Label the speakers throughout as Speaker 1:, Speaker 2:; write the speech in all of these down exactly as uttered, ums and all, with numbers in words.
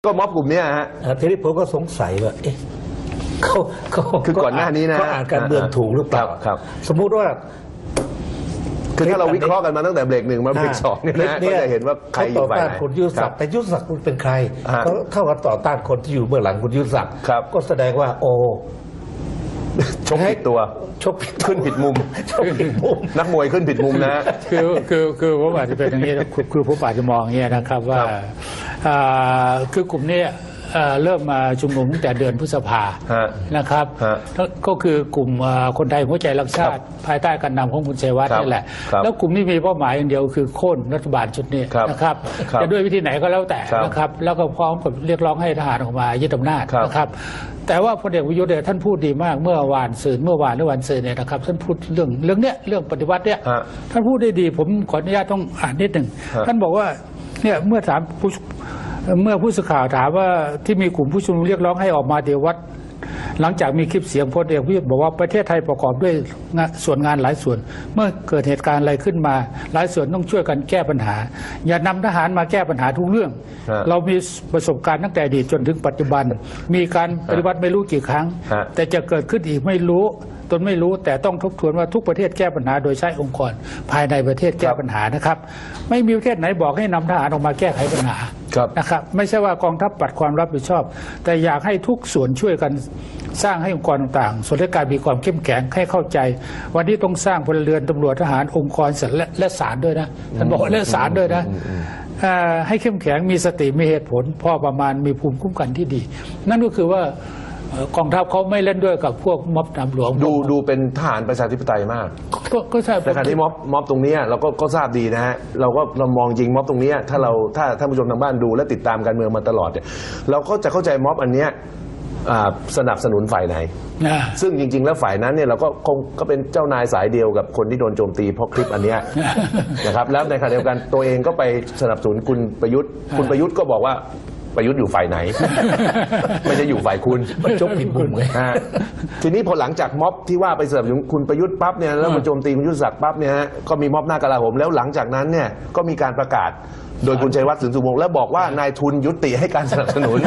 Speaker 1: ก็ม็อบกลุ่มนี้ฮะ
Speaker 2: ทีนี้ผมก็สงสัยว่าเอ๊ะเขาเขา
Speaker 1: คือก่อนหน้านี้นะ
Speaker 2: เขาอ่านการเมืองถูกหรือเปล่า
Speaker 1: ครับ
Speaker 2: สมมุติว่า
Speaker 1: คือถ้าเราวิเคราะห์กันมาตั้งแต่เบรกหนึ่งมาเบรกสองเนี่ยนะก็จะเห็นว่าใครอยู่ฝ่ายไหน
Speaker 2: คุณยุทธศักดิ์แต่ยุทธศักดิ์คุณเป็นใครเขาเท่ากับต่อต้านคนที่อยู่เบื้องหลังคุณยุทธศักดิ์ก็แสดงว่าโอ้
Speaker 1: ชกผิดตัว
Speaker 2: ชก
Speaker 1: ขึ้นผิดมุมนักมวยขึ้นผิดมุมนะ
Speaker 3: คือคือคือผมอาจจะเป็นอย่างนี้คือผมอาจจะมองอย่างนี้นะครับว่าคือกลุ่มนี้เริ่มมาชุมนุมตั้งแต่เดือนพฤษภานะครับก็คือกลุ่มคนไทยหัวใจรักชาติภายใต้การนำของคุณชัยวัฒน์นี่แหละแล้วกลุ่มนี้มีเป้าหมายอย่างเดียวคือโค่นรัฐบาลชุดนี้นะครับจะด้วยวิธีไหนก็แล้วแต่นะครับแล้วก็พร้อมกับเรียกร้องให้ทหารออกมายึดอำนาจนะครับแต่ว่าพลเอกประยุทธ์เนี่ยท่านพูดดีมากเมื่อวานสื่อเมื่อวานหรือวันสื่อเนี่ยนะครับท่านพูดเรื่องเรื่องเนี้ยเรื่องปฏิวัติเนี่ยท่านพูดได้ดีผมขออนุญาตต้องอ่านนิดหนึ่งท่านบอกว่าเนี่ยเมื่อถามผู้เมื่อผู้สื่อข่าวถามว่าที่มีกลุ่มผู้ชุมนุมเรียกร้องให้ออกมาเดี๋ยววัดหลังจากมีคลิปเสียงพลเอกประยุทธ์บอกว่าประเทศไทยประกอบด้วยส่วนงานหลายส่วนเมื่อเกิดเหตุการณ์อะไรขึ้นมาหลายส่วนต้องช่วยกันแก้ปัญหาอย่านำทหารมาแก้ปัญหาทุกเรื่องเรามีประสบการณ์ตั้งแต่อดีตจนถึงปัจจุบันมีการปฏิวัติไม่รู้กี่ครั้งแต่จะเกิดขึ้นอีกไม่รู้ตนไม่รู้แต่ต้องทบทวนว่าทุกประเทศแก้ปัญหาโดยใช้องค์กรภายในประเทศแก้ปัญหานะครับไม่มีประเทศไหนบอกให้นำทหารออกมาแก้ไขปัญหานะครับไม่ใช่ว่ากองทัพปัดความรับผิดชอบแต่อยากให้ทุกส่วนช่วยกันสร้างให้องค์กรต่างๆส่วนราชการมีความเข้มแข็งให้เข้าใจวันนี้ต้องสร้างพลเรือนตำรวจทหารองค์กรและศาลด้วยนะท่านบอกและศาลด้วยนะให้เข้มแข็งมีสติมีเหตุผลพอประมาณมีภูมิคุ้มกันที่ดีนั่นก็คือว่ากองทัพเขาไม่เล่นด้วยกับพวกม็อบตำรวจ
Speaker 1: ดูดูเป็นทหารประชาธิปไตยมาก
Speaker 3: ก็ใช่
Speaker 1: แต่การที่ม็อบม็อบตรงนี้เราก็ก็ทราบดีนะฮะเราก็เรามองจริงม็อบตรงนี้ถ้าเราถ้าท่านผู้ชมทางบ้านดูและติดตามการเมืองมาตลอดเนี่ยเราก็จะเข้าใจม็อบอันเนี้ยสนับสนุนฝ่ายไหนซึ่งจริงๆแล้วฝ่ายนั้นเนี่ยเราก็คงก็เป็นเจ้านายสายเดียวกับคนที่โดนโจมตีเพราะคลิปอันนี้นะครับแล้วในขณะเดียวกันตัวเองก็ไปสนับสนุนคุณประยุทธ์คุณประยุทธ์ก็บอกว่าประยุทธ์อยู่ฝ่ายไหนไม่จะอยู่ฝ่ายคุณ
Speaker 2: มันจบผิดมุมเลย
Speaker 1: ทีนี้พอหลังจากม็อบที่ว่าไปสนับสนุนคุณประยุทธ์ปั๊บเนี่ยแล้วมาโจมตีคุณยุทธศักดิ์ปั๊บเนี่ยก็มีม็อบหน้ากลาโหมแล้วหลังจากนั้นเนี่ยก็มีการประกาศโดยคุณชัยวัฒน์ สินสุวงศ์แล้วบอกว่านายทุนยุติให้การสนับสนุน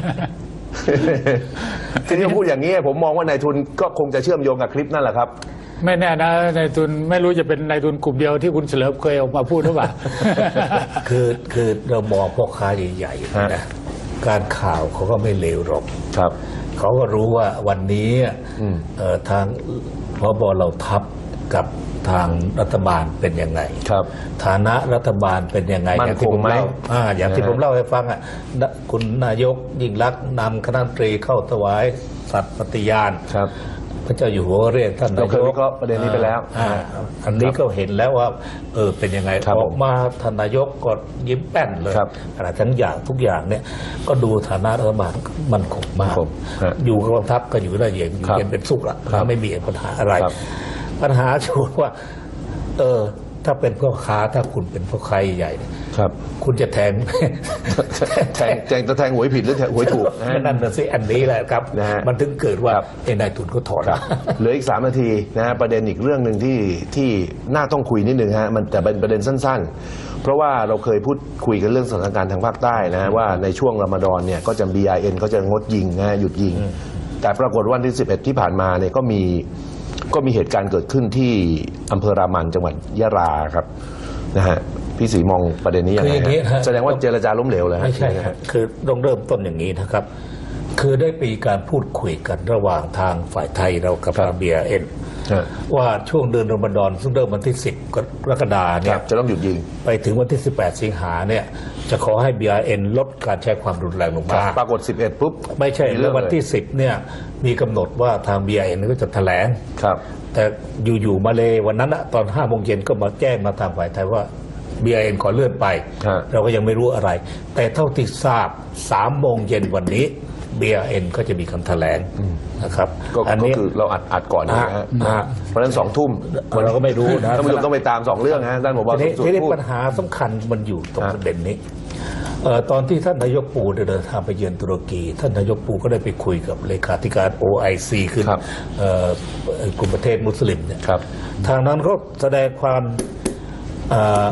Speaker 1: ทีนี้พูดอย่างนี้ผมมองว่านายทุนก็คงจะเชื่อมโยงกับคลิปนั่นแหละครับ
Speaker 3: ไม่แน่นะนายทุนไม่รู้จะเป็นนายทุนกลุ่มเดียวที่คุณเฉลิมเคยออกมาพูดหรือเปล่า
Speaker 2: คือคือเรามองพ่อค้าใหญ่ๆนะการข่าวเขาก็ไม่เลวหรอก
Speaker 1: ครับ
Speaker 2: เขาก็รู้ว่าวันนี้ทางพบเราทัพกับทางรัฐบาลเป็นยังไง
Speaker 1: ครับ
Speaker 2: ฐานะรัฐบาลเป็นยังไงอย่างที่ผมเล่าอย่างที่ผมเล่าให้ฟังอ่ะคุณนายกยิ่งลักษณ์นำคณะรัฐมนตรีเข้าถวายสัตย์ปฏิญาณ
Speaker 1: ครับ
Speaker 2: พระเจ้าอยู่หัวเรียกท่านนายก
Speaker 1: เราเคยวิเคราะห์ประเด็นนี้ไปแล้ว
Speaker 2: อันนี้ก็เห็นแล้วว่าเออเป็นยังไงออกมาท่านนายกก็ยิ้มแป้นเลยขณะทั้งอย่างทุกอย่างเนี่ยก็ดูฐานะรัฐบาลมันคงมากอยู่กองทัพก็อยู่ได้อย่างเย็นเป็นสุขละไม่มีปัญหาอะไรปัญหาชูว่าเออถ้าเป็นพ่อค้าถ้าคุณเป็นพ่อค้าใหญ่
Speaker 1: ครับ
Speaker 2: คุณจะแทง
Speaker 1: แทงแทงจะแทงหวยผิดหรือแทงหวยถูก
Speaker 2: นั่นน่ะสิอันนี้แหละครับมันถึงเกิดว่าไอ้นายทุนก็ถอน
Speaker 1: เหลืออีกสามนาทีนะฮะประเด็นอีกเรื่องหนึ่งที่ที่น่าต้องคุยนิดนึงฮะมันแต่เป็นประเด็นสั้นๆเพราะว่าเราเคยพูดคุยกันเรื่องสถานการณ์ทางภาคใต้นะว่าในช่วงรอมฎอนเนี่ยก็จะ บี ไอ เอ็น เขาจะงดยิงนะหยุดยิงแต่ปรากฏวันที่สิบเอ็ดที่ผ่านมาเนี่ยก็มีก็มีเหตุการณ์เกิดขึ้นที่อำเภอรามันจังหวัดยะลาครับนะฮะพี่ศรีมองประเด็นนี้ยังไงแสดงว่าเจรจาล้มเหลวเลย
Speaker 2: ไม่ใช่คือต้องเริ่มต้นอย่างนี้นะครับคือได้มีการพูดคุยกันระหว่างทางฝ่ายไทยเรากับ บี ไอ เอ็น ว่าช่วงเดือนรอมฎอนซึ่งเริ่มวันที่สิบกรกฎาคมเนี่ย
Speaker 1: จะต้องหยุดยิง
Speaker 2: ไปถึงวันที่สิบแปดสิงหาเนี่ยจะขอให้ บี ไอ เอ็น ลดการใช้ความรุนแรงลงมา
Speaker 1: ปรากฏสิบเอ็ดปุ๊บ
Speaker 2: ไม่ใช่แล้ววันที่สิบเนี่ยมีกำหนดว่าทาง บี ไอ เอ็น ก็จะแถลง
Speaker 1: ครับ
Speaker 2: แต่อยู่ๆมาเลยวันนั้นตอนห้าโมงเย็นก็มาแจ้งมาทางฝ่ายไทยว่า บี ไอ เอ็น ขอเลื่อนไปเราก็ยังไม่รู้อะไรแต่เท่าที่ทราบสามโมงเย็นวันนี้ บี ไอ เอ็น ก็จะมีคำแถลงนะครับ
Speaker 1: อันนี้คือเราอัดอัดก่อนนะฮะเพราะฉะนั้นสองทุ่ม
Speaker 2: เราก็ไม่รู้นะ
Speaker 1: ท่านผู้ชมต้องไปตามสองเรื่องนะท่านผบ.
Speaker 2: ทีนี้ปัญหาสำคัญมันอยู่ตรงประเด็นนี้ตอนที่ท่านนายกปูเดินทางไปเยือนตุรกีท่านนายกปูก็ได้ไปคุยกับเลขาธิการ โอ ไอ ซี คือกลุ่มประเทศมุสลิมเนี่ยทางนั้นก็แสดงความ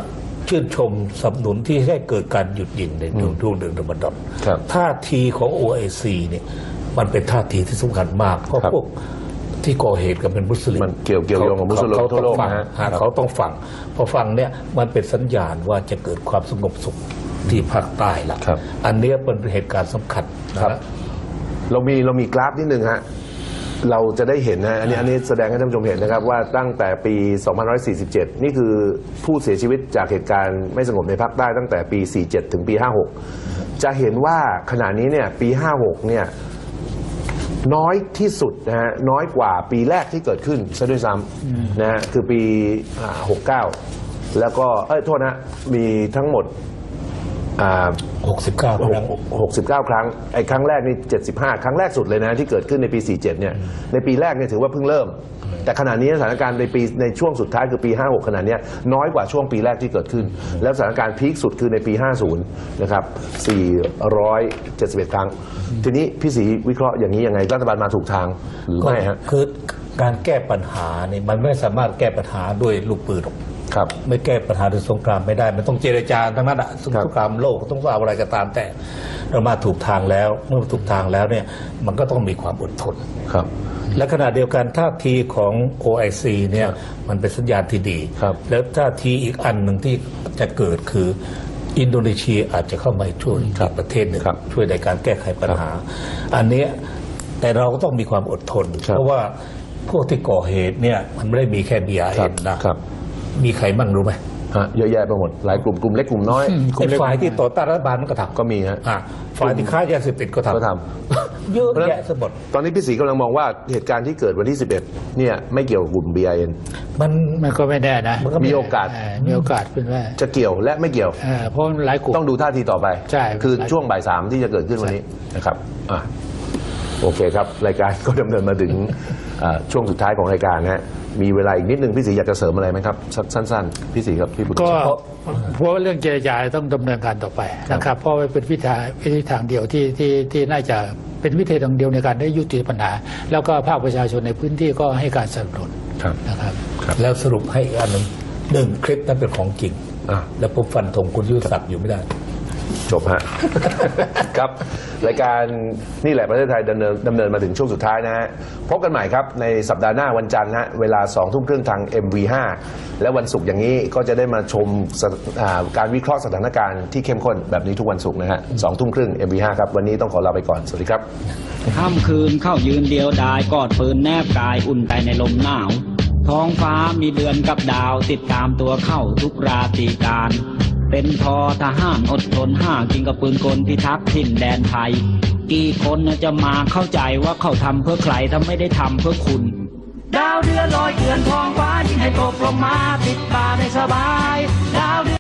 Speaker 2: ชื่นชมสนับสนุนที่ให้เกิดการหยุดยิงในช่วงเดือนรอมฎอน
Speaker 1: ครับ
Speaker 2: ท่าทีของ โอ ไอ ซี เนี่ยมันเป็นท่าทีที่สำคัญมากเพราะ
Speaker 1: ครับ
Speaker 2: พวกที่ก่อเหตุกันเป็นมุสลิม
Speaker 1: มันเกี่ยวเกี่ยวโยงกับมุสลิม
Speaker 2: เขา
Speaker 1: ทั่วโลก
Speaker 2: ต้องฟัง
Speaker 1: นะฮะ
Speaker 2: ฮะเขาต้องฟังพอฟังเนี่ยมันเป็นสัญญาณว่าจะเกิดความสงบสุขที่ภาคใต้ละ
Speaker 1: ครับ
Speaker 2: อันเนี้ยเป็นเหตุการณ์สำคัญนะ
Speaker 1: ครั
Speaker 2: ฮะ
Speaker 1: บ เรามีเรามีกราฟนิดนึงฮะเราจะได้เห็นนะอันนี้อันนี้แสดงให้ท่านผู้ชมเห็นนะครับว่าตั้งแต่ปี สองพันห้าร้อยสี่สิบเจ็ด นี่คือผู้เสียชีวิตจากเหตุการณ์ไม่สงบในภาคใต้ตั้งแต่ปี สี่สิบเจ็ด ถึงปี ห้าสิบหก จะเห็นว่าขณะนี้เนี่ยปี ห้าสิบหก เนี่ยน้อยที่สุดนะฮะน้อยกว่าปีแรกที่เกิดขึ้นซะด้วยซ้ำนะฮะคือปีอ่าหกสิบเก้า แล้วก็เอ้ยโทษนะมีทั้งหมดอ่า
Speaker 2: หกสิบเก้าครั้ง
Speaker 1: หกสิบเก้า ครั้งไอ้ครั้งแรกนี่เจ็ดสิบห้า ครั้งแรกสุดเลยนะที่เกิดขึ้นในปี สี่สิบเจ็ด เนี่ยในปีแรกเนี่ยถือว่าเพิ่งเริ่ม แต่ขณะนี้สถานการณ์ในปีในช่วงสุดท้ายคือปี ห้าสิบหก ขณะนี้น้อยกว่าช่วงปีแรกที่เกิดขึ้น แล้วสถานการณ์พีคสุดคือในปี ห้าสิบ นะครับ สี่ร้อยเจ็ดสิบเอ็ด ครั้ง ทีนี้พี่ศรีวิเคราะห์อย่างนี้ยังไงรัฐบาลมาถูกทางหรือไม่ฮะ
Speaker 2: คือการแก้ปัญหาเนี่ยมันไม่สามารถแก้ปัญหาด้วยลูกปืนหรอก
Speaker 1: ครับ
Speaker 2: ไม่แก้ปัญหาด้วยสงครามไม่ได้มันต้องเจรจาทั้งนั้นอะส
Speaker 1: ครับ
Speaker 2: งครามโลกต้องเอาอะไรก็ตามแต่เรามาถูกทางแล้วเมื่อถูกทางแล้วเนี่ยมันก็ต้องมีความอดทน
Speaker 1: ครับ
Speaker 2: และขณะเดียวกันท่าทีของ โอ ไอ ซี เนี่ยมันเป็นสัญญาณที่ดี
Speaker 1: ครับ
Speaker 2: แล้วท่าทีอีกอันหนึ่งที่จะเกิดคืออินโดนีเซียอาจจะเข้ามาช่วยอีกประเทศหนึ่ง
Speaker 1: ครับ
Speaker 2: ช่วยในการแก้ไขปัญหา อันเนี้ยแต่เราก็ต้องมีความอดทน
Speaker 1: ครับ
Speaker 2: เพราะว่าพวกที่ก่อเหตุเนี่ยมันไม่ได้มีแค่ บี อาร์
Speaker 1: ครั
Speaker 2: เอ็
Speaker 1: บ
Speaker 2: น นะครับ มีใครบ้างรู้ไหม
Speaker 1: ฮะเยอะแยะไปหมดหลายกลุ่มกลุ่มเล็กกลุ่มน้อย
Speaker 2: ไอ้ฝ่ายที่ต่อต้านรัฐบาลมันก็ทำ
Speaker 1: ก็มีฮะ
Speaker 2: อ่ะฝ่ายที่ค้ายาเสพติดก็ทำ
Speaker 1: ก็ท
Speaker 2: เยอะแยะสมบด
Speaker 1: ตอนนี้พี่ศรีกำลังมองว่าเหตุการณ์ที่เกิดวันที่ สิบเอ็ด เนี่ยไม่เกี่ยวกับกลุ่ม บี ไอ เอ็น
Speaker 2: มัน
Speaker 3: มันก็ไม่แน่นะ
Speaker 2: มันก็
Speaker 1: มีโอกาส
Speaker 3: เออมีโอกาสเป็นว่า
Speaker 1: จะเกี่ยวและไม่เกี่ยว
Speaker 3: เออเพราะหลายกลุ่ม
Speaker 1: ต้องดูท่าทีต่อไป
Speaker 3: ใช่
Speaker 1: คือช่วงบ่ายสามที่จะเกิดขึ้นวันนี้นะครับอ่ะโอเคครับ รายการก็ดำเนินมาถึงอ่าช่วงสุดท้ายของรายการนะฮะมีเวลาอีกนิดนึงพี่ศรีอยากจะเสริมอะไรไหมครับสั้นๆพี่ศรีครับพี่บุญ
Speaker 3: ก็เพราะว่าเรื่องเจรจาต้องดำเนินการต่อไปนะครับเพราะว่าเป็นวิธีวิธีทางเดียวที่ที่ที่น่าจะเป็นวิธีทางเดียวในการได้ยุติปัญหา แล้วก็ภาคประชาชนในพื้นที่ก็ให้การสนับสนุน
Speaker 1: ครับ
Speaker 3: นะครับ
Speaker 2: แล้วสรุปให้อีกอันหนึ่งหนึ่งคลิปนั้นเป็นของจริง
Speaker 1: อ่ะ
Speaker 2: แล้วผมฟันธงคุณยุทธศักดิ์อยู่ไม่ได้
Speaker 1: จบฮะ ครับรายการนี่แหละประเทศไทยดำเนินดำเนินมาถึงช่วงสุดท้ายนะฮะพบกันใหม่ครับในสัปดาห์หน้าวันจันทร์ฮะเวลาสองทุ่มครึ่งทาง เอ็ม วี ห้า และวันศุกร์อย่างนี้ก็จะได้มาชมสถอ่าการวิเคราะห์สถานการณ์ที่เข้มข้นแบบนี้ทุกวันศุกร์นะฮะสองทุ่มครึ่ง เอ็ม วี ห้า ครับวันนี้ต้องขอลาไปก่อนสวัสดีครับ
Speaker 4: ค่ำคืนเข้ายืนเดียวดายกอดปืนแนบกายอุ่นใจในลมหนาว ท้องฟ้ามีเดือนกับดาวติดตามตัวเข้าทุกราตรีการ เป็นทอทหารอดทนห้ากินกับปืนกลพิทักษ์ถิ่นแดนไทย กี่คนจะมาเข้าใจว่าเขาทำเพื่อใครถ้าไม่ได้ทำเพื่อคุณ ดาวเดือนลอยเกลื่อนท้องฟ้ายิ่งให้ตกลงมาปิดตาได้สบายดาวเดือน